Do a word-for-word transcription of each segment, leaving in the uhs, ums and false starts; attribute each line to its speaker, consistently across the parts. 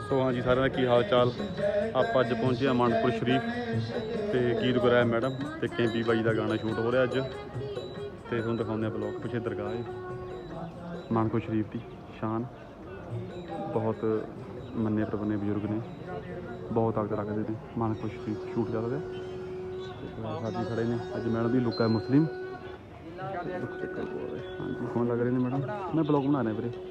Speaker 1: सो हाँ जी सारे की हाल चाल। आप अज पहुँचे मानपुर शरीफ तो गीत गुराया मैडम तो कैंपी बाई का गाना शूट हो रहा अज तो तुम दिखाने ब्लॉग पिछले दरगाह है मानपुर शरीफ की शान। बहुत मन्ने परमन्ने बजुर्ग ने बहुत ताकत रखते हैं। मानपुर शरीफ शूट चल रहा साथी खड़े ने अज मैडम की लुक है मुस्लिम। हाँ जी फोन लग रहे हैं मैडम मैं ब्लॉग बना रहा वीरे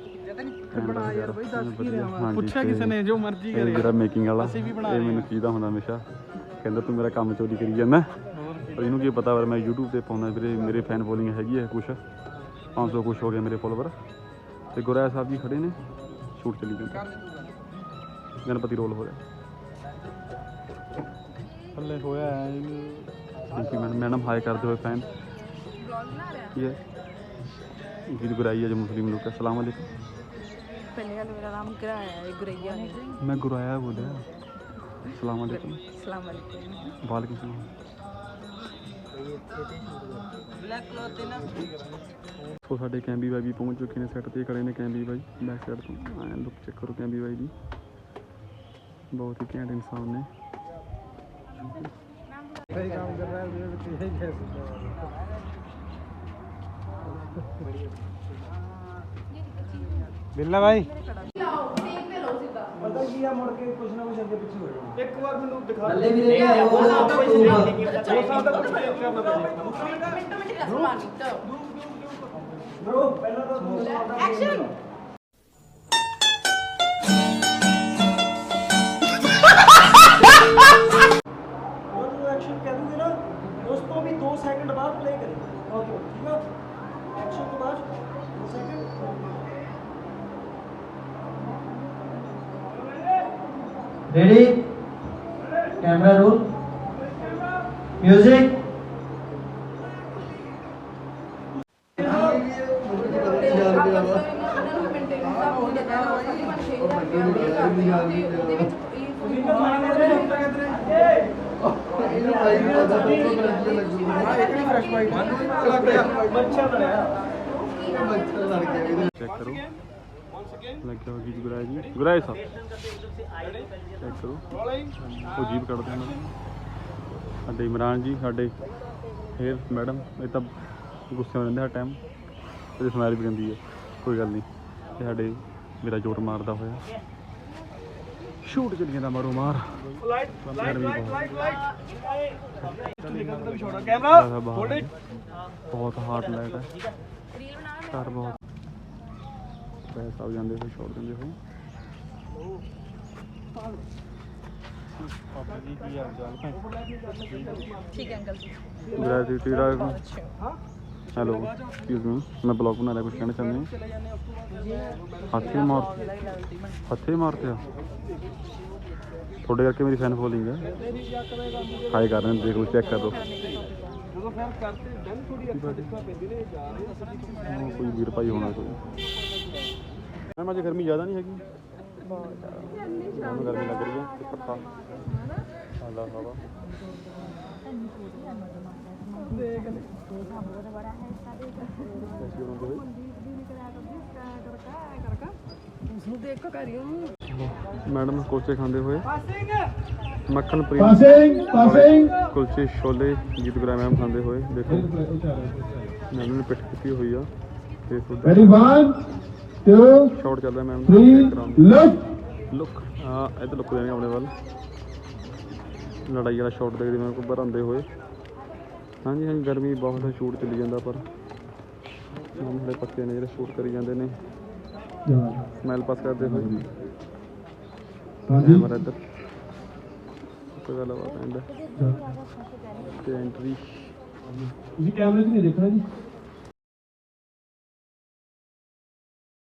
Speaker 2: ਪੁੱਛਿਆ ਕਿਸੇ ਨੇ ਜੋ ਮਰਜ਼ੀ ਕਰੇ
Speaker 1: ਜਿਹੜਾ ਮੇਕਿੰਗ ਵਾਲਾ ਇਹ ਮੈਨੂੰ ਚੀਦਾ ਹੁੰਦਾ ਹਮੇਸ਼ਾ ਕਹਿੰਦਾ ਤੂੰ ਮੇਰਾ ਕੰਮ ਚੋਰੀ ਕਰੀ ਜਾਂਦਾ ਪਰ ਇਹਨੂੰ ਕੀ ਪਤਾ ਪਰ ਮੈਂ YouTube ਤੇ ਪਾਉਂਦਾ ਵੀਰੇ ਮੇਰੇ ਫੈਨ ਫੋਲੋਇੰਗ ਹੈਗੀ ਹੈ ਕੁਛ ਪੰਜ ਸੌ ਕੁਛ ਹੋ ਗਿਆ ਮੇਰੇ ਫੋਲੋਵਰ ਤੇ ਗੁਰਾਇਆ ਸਾਹਿਬ ਜੀ ਖੜੇ ਨੇ ਸ਼ੂਟ ਚੱਲੀ ਜਾਂਦਾ ਗਣਪਤੀ ਰੋਲ ਹੋ ਰਿਹਾ
Speaker 2: ਥੱਲੇ ਹੋਇਆ
Speaker 1: thank you madam madam hi ਕਰਦੇ ਹੋਏ ਫੈਨ ਕੀ ਹੈ गीत गुराई है जो मुस्लिम लोग अस्सलाम वालेकुम।
Speaker 3: पहले वाला मेरा नाम गुराया है गुरैया है
Speaker 1: मैं गुराया बोलिया अस्सलाम वालेकुम।
Speaker 3: अस्सलाम वालेकुम।
Speaker 1: वालेकुम सलाम। तो साडे कैंबी भाई भी पहुंच चुके हैं सैट ते खड़े ने कैंबी भाई बैक साइड तो आए लुक चेक करो कैंबी भाई दी बहुत ही घैंट इंसान ने
Speaker 2: काम कर रहा है बिल्ला भाई पता किया मुड़ के कुछ ना कुछ आगे पीछे हो जाए एक बार मैंने दिखा ले भी ले आया वो सब कुछ वो सब कुछ करना पड़ेगा मिनट मिनट का सवाल तो ब्रो पहला तो एक्शन वो जो एक्शन कह दूंगी ना दोस्तों भी दो सेकंड बाद प्ले करेंगे ओके ठीक है एक्शन के बाद दो second
Speaker 4: ready camera roll music
Speaker 1: check करो लग गया गीत गुराया जी गुराया साहब चेक करो वो जीप कटते हैं साडे इमरान जी साडे फिर मैडम ये तो गुस्से में रहते हर टाइम तो स्माइल भी रहती है कोई गल नहीं साडे मेरा जोर मारदा होया शूट चली जाता मारो मार बहुत हार्ड लाइट है घर बहुत पैसा आ जाते हो छोड़ देंगे हो हेलो एक्सक्यूज मी मैं ब्लॉग बना रहा कुछ कहना चाहते हैं हाथी मार हाथी मारते हो थोड़े करके मेरी फैन फॉलोइंग है हाई कर रहे हैं देख लो चेक कर दो कोई वीर भाई होना कोई मैम अज गर्मी ज़्यादा नहीं हैगी गर्मी लग रही है पत्ता हवा मैडम कुलचे खाते हुए मक्खन प्रीत कुलचे छोले गीत गुराया मैम खाते हुए देखो मैडम ने पिट की हुई है शॉट चल रहा है मैम लुक हाँ इधर लुक देने अपने वाल लड़ाई वाला शॉट देखते मैं को बरांदे हुए हाँ जी हाँ गर्मी बहुत है शूट चली जाता पर हम थोड़े पक्के ने जो शूट करी जाते हैं स्मैल पास करते हुए कैमरा इधर कोई गलबात एंड एंट्री
Speaker 2: कैमरे नहीं देखना जी